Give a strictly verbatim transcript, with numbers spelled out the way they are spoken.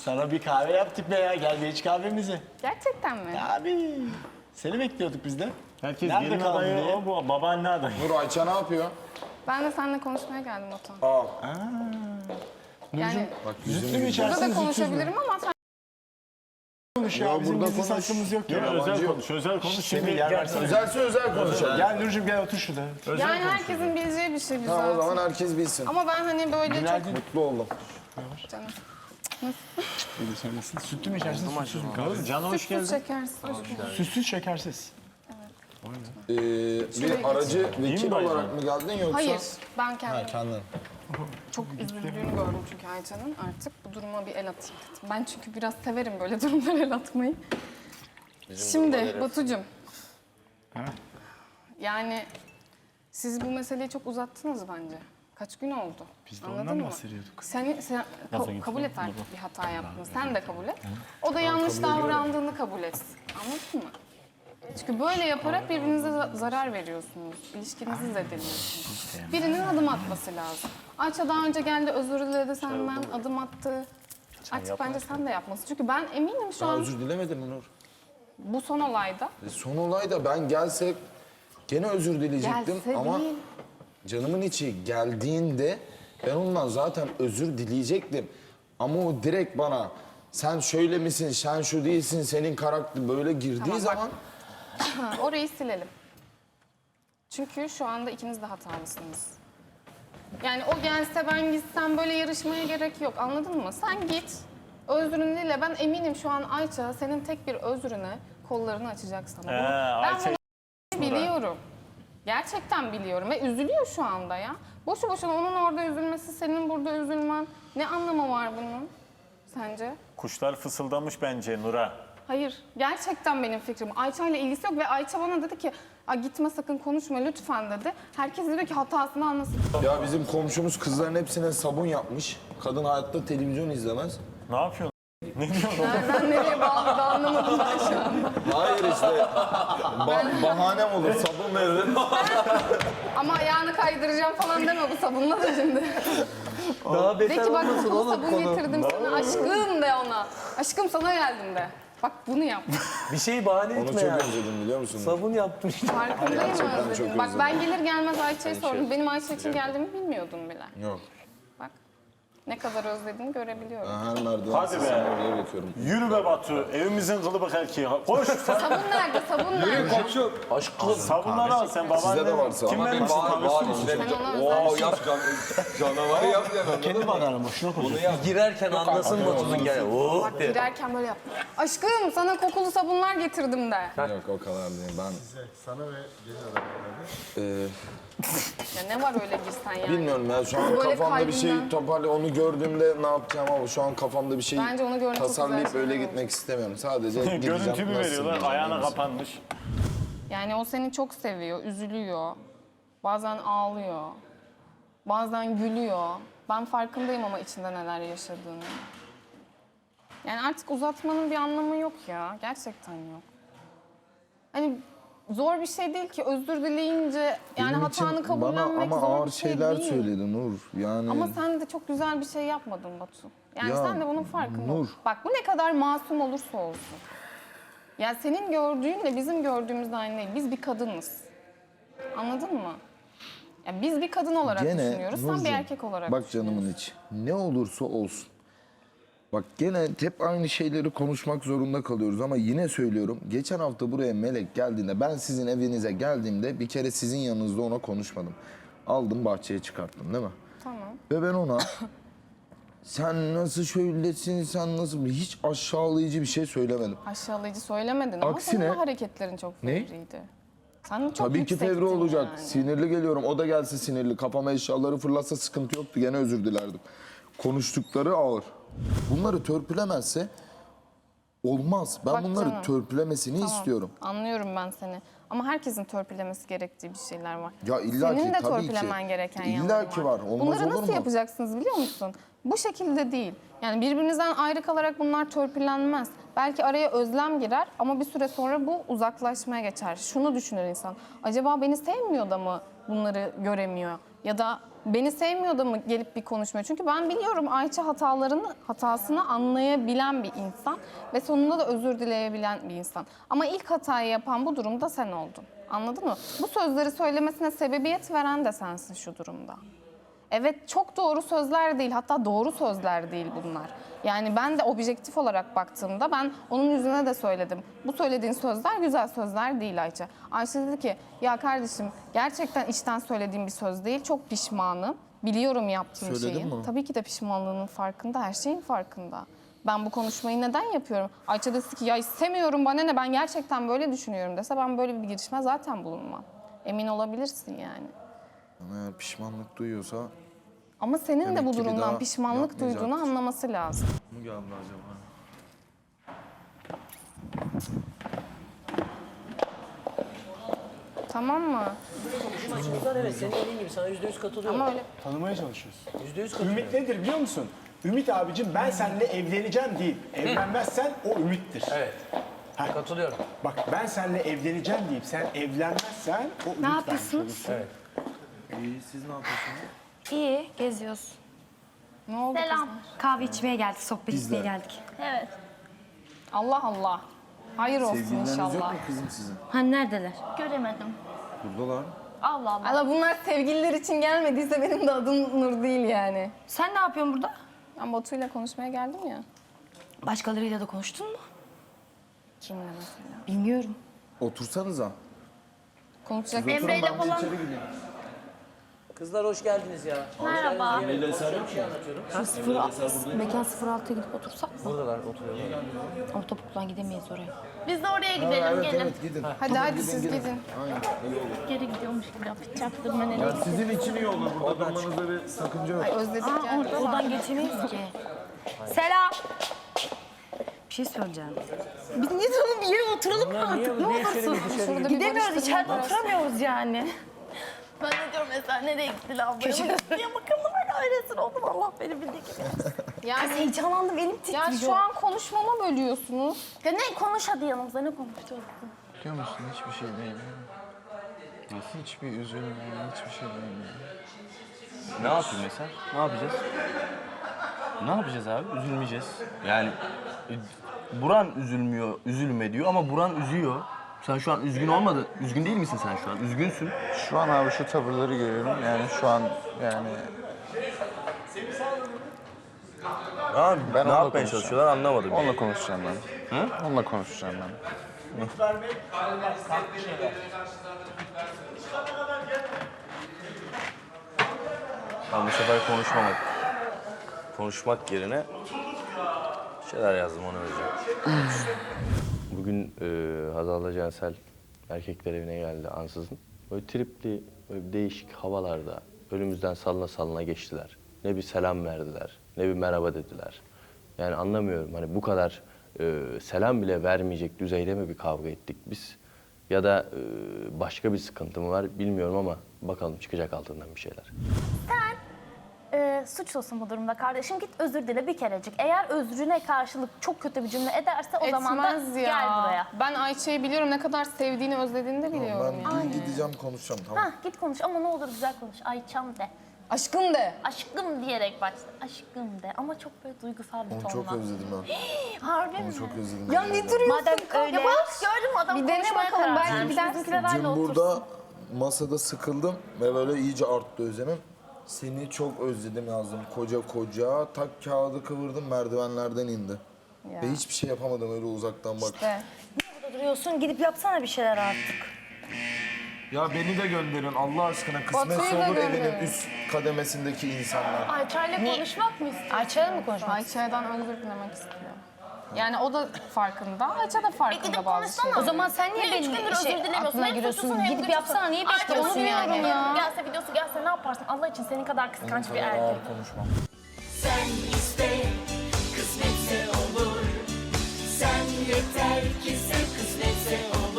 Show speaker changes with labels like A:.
A: Sana bir kahve yaptık be ya. Gel bir iç kahvemizi.
B: Gerçekten mi?
A: Abi. Seni bekliyorduk biz de.
C: Herkes
A: Nerede
C: gelin
A: kaldın
C: adayı
A: diye.
C: o, bu babaanne adayı.
D: Nur Ayça ne yapıyor?
B: Ben de seninle konuşmaya geldim Otan.
D: Aa,
B: Yani
D: bak
A: Zütlü mü
D: yüzünü
A: içersin,
B: burada da
A: zütsüz mü?
B: konuşabilirim ama sen
A: Konuş ya,
D: Ya
A: bizim
D: burada
A: gizli
D: konuş.
A: saklımız yok ya.
C: Gel
D: yabancı
C: özel
D: yok.
C: konuş, özel konuş.
A: Semih,
C: Şimdi
A: yer
C: gel.
A: versene.
D: özelse özel konuşalım.
A: Gel Nurcuğum gel otur şurada.
C: Özel
B: yani
C: konuş.
B: herkesin bileceği bir şey güzel.
D: Tamam o zaman herkes bilsin.
B: Ama ben hani böyle
A: Günaydın.
B: çok
D: Mutlu oldum.
B: canım.
A: Buyur sen nasılsın? Sütlü mü içersin, sütsüz mü?
C: Oğlum, Can hoş
B: Sütsüz
C: geldin.
B: şekersiz.
A: Sütsüz şekersiz.
D: Ee, bir aracı vekil
C: mi
D: olarak mı geldin yoksa?
B: Hayır, ben
D: Ha,
B: kendim
D: kendin.
B: çok üzüldüğünü gördüm çünkü Ayça'nın. Artık bu duruma bir el atayım dedim. Ben çünkü biraz severim böyle durumlara el atmayı. Şimdi Batucuğum. Yani siz bu meseleyi çok uzattınız bence. Kaç gün oldu?
A: Biz de
B: Anladın
A: ondan
B: mı?
A: bahsediyorduk.
B: Sen, sen
C: Nasıl
B: ka-
C: gitsin?
B: kabul et artık bir hata yaptın. Sen de kabul et. O da yanlış davrandığını kabul etsin. Anladın mı? Çünkü böyle yaparak birbirinize za- zarar veriyorsunuz. İlişkinizi zedeliyorsunuz. Birinin adım atması lazım. Ayça daha önce geldi, özür diledi senden, adım attı. Artık bence sen de yapmasın. Çünkü ben eminim şu
D: Daha
B: an
D: özür dilemedin mi Nur?
B: bu son olayda.
D: E, son olayda ben gelsek gene özür dileyecektim
B: Gelse
D: ama
B: değil.
D: canımın içi geldiğinde ben ondan zaten özür dileyecektim. Ama o direkt bana sen şöyle misin, sen şu değilsin, senin karakter böyle girdiği
B: Tamam, bak.
D: zaman
B: Ha, orayı silelim. Çünkü şu anda ikiniz de hatalısınız. Yani o gelse ben gitsem böyle yarışmaya gerek yok, anladın mı? Sen git, özrünü dile. Ben eminim şu an Ayça senin tek bir özrüne kollarını açacak sana.
C: Ee,
B: Bunu- ben
C: Ayça-
B: bunu biliyorum. Gerçekten biliyorum ve üzülüyor şu anda ya. Boşu boşuna onun orada üzülmesi, senin burada üzülmen. Ne anlamı var bunun sence?
C: Kuşlar fısıldamış bence Nur'a.
B: Hayır, gerçekten benim fikrim. Ayça ile ilgisi yok ve Ayça bana dedi ki "Aa, gitme sakın konuşma lütfen" dedi. Herkes diyor ki hatasını anlasın.
D: ya bizim komşumuz kızların hepsine sabun yapmış. Kadın hayatta televizyon izlemez.
C: Ne yapıyorsun? Ne diyorsun?
B: Nereden nereye bağlı da anlamadım ben şu an.
D: Hayır işte ba- bahanem olur sabun veririm.
B: Ama ayağını kaydıracağım falan deme bu sabunla da şimdi.
E: Daha
B: De
E: beter
B: ki bak
E: olmasın
B: kokulu
E: oğlum
B: sabun
E: konu.
B: getirdim sana aşkım de ona. Aşkım sana geldim de. Bak bunu yap.
E: Bir şeyi bahane
D: Onu
E: etme
D: çok
E: ya.
D: özledim biliyor musun?
E: Sabun yaptım işte.
B: Farkındayım
D: Gerçekten
B: özledim.
D: çok
B: Bak
D: özledim.
B: ben gelir gelmez Ayça'ya sordum. Benim Ayça için geldiğimi bilmiyordum bile.
D: Yok.
B: Bak ne kadar özlediğini görebiliyorum.
D: Ben her merdiven
C: Hadi
D: sesini
C: be.
D: oraya bakıyorum.
C: Yürü be Batu. Evimizin kılıbık erkeği. Koş.
B: Sabun nerede? Sabun nerede?
E: Aşkım.
C: Sabunları al sen babaanne.
D: Sizde de varsa.
C: Kim
D: Ama
C: vermiş
F: Bağır, bağır
C: tanıştınız?
F: işte.
B: Sen ona özel
F: Oo yap can, canavarı yap yani.
A: Kendi bakarım boşuna konuş.
F: Bunu yap.
E: Girerken anlasın Batu'nun gel. Oo.
B: Bak girerken böyle yap. Aşkım sana kokulu sabunlar getirdim de.
D: Yok o kadar değil. Ben
G: Sana ve gelin adamlarına.
D: e,
B: Ya ne var öyle girsen yani.
D: bilmiyorum ya şu an
B: Böyle
D: kafamda bir şey
B: kalbinden-
D: toparlı onu gördüğümde ne yapacağım ama şu an kafamda bir şey
B: Bence onu görmek çok
D: tasarlayıp
B: güzel
D: öyle
B: şeyler
D: gitmek istemiyorum. Sadece gideceğim.
C: Görüntü mü
D: nasılsın
C: veriyorlar?
D: diyeceğim,
C: Ayağına
D: neyse.
C: kapanmış.
B: Yani o seni çok seviyor, üzülüyor. Bazen ağlıyor. Bazen gülüyor. Ben farkındayım ama içinde neler yaşadığını. Yani artık uzatmanın bir anlamı yok ya. Gerçekten yok. Hani zor bir şey değil ki özür dileyince yani
D: Benim
B: hatanı
D: için
B: kabullenmek
D: bana ama
B: zor
D: ağır
B: bir şey
D: şeyler
B: değil.
D: söyledi Nur. Yani
B: Ama sen de çok güzel bir şey yapmadın Batu. Yani
D: Ya,
B: sen de bunun farkında ol.
D: Nur.
B: Bak bu ne kadar masum olursa olsun. Ya senin gördüğünle bizim gördüğümüz aynı değil. Biz bir kadınız. Anladın mı? Ya biz bir kadın olarak
D: gene
B: düşünüyoruz. Sen
D: Nurcuğum,
B: bir erkek olarak
D: bak canımın içi. Ne olursa olsun. Bak gene hep aynı şeyleri konuşmak zorunda kalıyoruz ama yine söylüyorum. Geçen hafta buraya Melek geldiğinde ben sizin evinize geldiğimde bir kere sizin yanınızda ona konuşmadım. Aldım bahçeye çıkarttım değil mi?
B: Tamam.
D: Ve ben ona sen nasıl şöylesin, sen nasıl hiç aşağılayıcı bir şey söylemedim.
B: Aşağılayıcı söylemedin ama
D: Aksine-
B: senin de hareketlerin çok
D: Ne?
B: fevriydi. Sen çok
D: Tabii ki
B: yüksektin
D: fevri olacak.
B: yani.
D: Sinirli geliyorum. O da gelse sinirli. Kafama eşyaları fırlatsa sıkıntı yoktu. Gene özür dilerdim. Konuştukları ağır. Bunları törpülemezse olmaz. Ben
B: Bak
D: bunları
B: canım.
D: törpülemesini
B: Tamam,
D: istiyorum.
B: Anlıyorum ben seni. Ama herkesin törpülemesi gerektiği bir şeyler var.
D: Ya illa
B: Senin
D: ki,
B: de
D: tabii ki.
B: törpülemen gereken
D: İlla
B: yanları
D: ki var. Olmaz
B: Bunları
D: olur
B: nasıl
D: mu?
B: yapacaksınız biliyor musun? Bu şekilde değil. Yani birbirinizden ayrı kalarak bunlar törpülenmez. Belki araya özlem girer ama bir süre sonra bu uzaklaşmaya geçer. Şunu düşünür insan. Acaba beni sevmiyor da mı bunları göremiyor? Ya da Beni sevmiyor da mı gelip bir konuşmuyor? Çünkü ben biliyorum Ayça hatalarını, hatasını anlayabilen bir insan ve sonunda da özür dileyebilen bir insan. Ama ilk hatayı yapan bu durumda sen oldun. Anladın mı? Bu sözleri söylemesine sebebiyet veren de sensin şu durumda. Evet, çok doğru sözler değil, hatta doğru sözler değil bunlar. Yani ben de objektif olarak baktığımda ben onun yüzüne de söyledim. Bu söylediğin sözler güzel sözler değil Ayça. Ayça dedi ki ya kardeşim gerçekten içten söylediğim bir söz değil, çok pişmanım. Biliyorum yaptığım
D: Söyledin
B: şeyi.
D: mi?
B: Tabii ki de pişmanlığının farkında, her şeyin farkında. Ben bu konuşmayı neden yapıyorum? Ayça dese ki ya istemiyorum bana ne, ben gerçekten böyle düşünüyorum dese ben böyle bir girişime zaten bulunmam. Emin olabilirsin yani.
D: Eğer pişmanlık duyuyorsa
B: Ama senin
D: Demek
B: de bu
D: ki bir
B: durumdan
D: daha
B: pişmanlık
D: yapmayacaktır.
B: duyduğunu anlaması lazım.
D: mı geldi acaba?
B: Tamam mı?
E: Çocuklar evet senin dediğin gibi sana yüzde yüz katılıyorum.
B: Ama öyle
A: Tanımaya çalışıyoruz.
E: Yüzde yüz katılıyorum.
A: Ümit nedir biliyor musun? Ümit abicim ben seninle evleneceğim değil. Evlenmezsen o ümittir.
E: Evet. Katılıyorum.
A: Bak ben seninle evleneceğim deyip sen evlenmezsen o ümit
H: Ne
A: vermiş
H: yapıyorsunuz?
A: olursun.
E: Evet.
D: İyi, siz ne yapıyorsunuz?
H: İyi, geziyoruz.
B: ne oldu
H: Selam.
B: kızlar?
H: Kahve içmeye geldik, sohbet
D: Biz de.
H: etmeye geldik.
I: Evet.
B: Allah Allah. Hayır olsun
D: Sevgilileriniz yok
B: inşallah.
D: mu kızım sizin?
H: Hani neredeler?
I: Göremedim.
D: Buradalar.
I: Allah Allah.
B: Allah bunlar sevgililer için gelmediyse benim de adım Nur değil yani.
H: Sen ne yapıyorsun burada?
B: Ben Batu'yla konuşmaya geldim ya.
H: Başkalarıyla da konuştun mu?
B: Kimle mesela?
H: Bilmiyorum.
D: Otursanıza.
B: Konuşacak
I: Emre'yle
D: Ben
I: falan.
D: içeri gideyim.
E: Kızlar hoş geldiniz ya.
I: Merhaba.
E: Konuşuyorum, bir şey anlatıyorum.
H: Şu sıfır, mekan sıfır altıya gidip otursak mı?
E: Buradalar oturuyorlar.
H: Ortaokuldan gidemeyiz oraya.
I: Biz de oraya gidelim.
D: Evet
I: gelin.
D: evet gidin.
B: Hadi hadi siz gidin.
I: Geri gidiyormuş gibi yapacaktım ben.
D: Ya sizin için iyi olur. Burada durmanızda bir sakınca yok.
B: Özledik
H: Aa,
B: yani.
H: orada, oradan geçemeyiz ki. Selam. Bir şey söyleyeceğim. Biz niye sonra bir yere oturalım mı
E: Niye,
H: artık? Ne
E: niye içeri
H: olursun?
E: bir dışarı
B: Şurada bir
H: Gidemiyoruz,
B: barıştırma
H: içeride
B: var.
H: oturamıyoruz yani.
I: Ben de diyorum mesela nereye gitti lavboya? Diye bakalım öyle öylesin oğlum Allah beni bildiği gibi.
H: Kız
B: Yani
H: heyecanlandım, elim titriyor.
B: ya şu an konuşmama bölüyorsunuz.
I: Ya ne konuş hadi yanımızda ne konuşacağız?
A: Biliyor musun hiçbir şey değil. Ya hiçbir üzülme, hiçbir şey değil.
J: Ne yapayım mesela? Ne yapacağız? Ne yapacağız abi? Üzülmeyeceğiz. Yani e, Buran üzülmüyor, üzülme diyor ama Buran üzüyor. Sen şu an üzgün olmadı. Üzgün değil misin sen şu an? Üzgünsün.
G: Şu an abi şu tavırları görüyorum. Yani şu an yani
J: Abi
G: Ben
J: ne
G: onunla
J: yapmaya
G: konuşacağım.
J: çalışıyorlar anlamadım.
G: onunla konuşacağım ben.
J: Hı?
G: Onunla konuşacağım ben.
J: Ben bu sefer konuşmamak. Konuşmak yerine şeyler yazdım onu vereceğim. Bugün e, Hazal'la Cansel erkekler evine geldi ansızın. Böyle tripli, böyle değişik havalarda önümüzden sallana sallana geçtiler. Ne bir selam verdiler, ne bir merhaba dediler. Yani anlamıyorum hani bu kadar e, selam bile vermeyecek düzeyde mi bir kavga ettik biz? Ya da e, başka bir sıkıntı mı var bilmiyorum ama bakalım çıkacak altından bir şeyler.
I: Sen e, suçlusun bu durumda kardeşim. Git özür dile bir kerecik. Eğer özrüne karşılık çok kötü bir cümle ederse o zaman da
B: Etmez ya.
I: gel buraya.
B: Ben Ayça'yı biliyorum, ne kadar sevdiğini, özlediğini de biliyorum
D: Ben
B: yani.
D: dün gideceğim konuşacağım tamam.
I: Hah git konuş ama ne olur güzel konuş. Ayçam de.
B: Aşkım de.
I: Aşkım diyerek başla. Aşkım de ama çok böyle duygusal bir
D: Onu
I: tonla.
D: çok özledim ben.
I: Harbi mi?
D: Onu çok özledim.
B: Ya ne duruyorsun?
H: Madem
I: Ya bak gördün mü adam
B: Bir dene
I: konuşmaya
B: bakalım,
I: karar
B: belki
I: vermiş.
B: gidersin.
I: Bizimkiler öyle
D: Dün
I: otursun.
D: burada masada sıkıldım ve böyle iyice arttı özlemim. Seni çok özledim yazdım koca koca. Tak kağıdı kıvırdım merdivenlerden indi.
B: Ya.
D: Ve hiçbir şey yapamadım öyle uzaktan bak.
B: İşte.
H: Burada duruyorsun, gidip yapsana bir şeyler artık.
D: Ya beni de gönderin Allah aşkına kısmetse
B: Batu'yu da
D: olur evinin
B: gönderin.
D: üst kademesindeki insanlar.
I: Ayça'yla konuşmak mı istiyorsun?
H: Ayça'yla mı konuşmak?
B: Ayça'dan özür dilemek istiyor. Yani o da farkında, Ayça da farkında
I: gidip
B: bazı
I: konuşsana.
B: şeyler.
H: O zaman sen niye
I: Niye üç
H: benim
I: gündür
H: şey,
I: özür dilemiyorsun?
H: aklına
I: Hem
H: giriyorsun?
I: suçlusun hem
H: Gidip
I: güçlüsün.
H: yapsana, niye
I: Ayça
H: bekliyorsun
I: bunu
H: yani?
I: diyorum
B: ya.
I: Gelse videosu gelse ne yaparsın? Allah için senin kadar kıskanç bir erkek.
D: Konuşmam.
K: Sen iste, kısmetse olur. Sen yeter ki sev, kısmetse olur.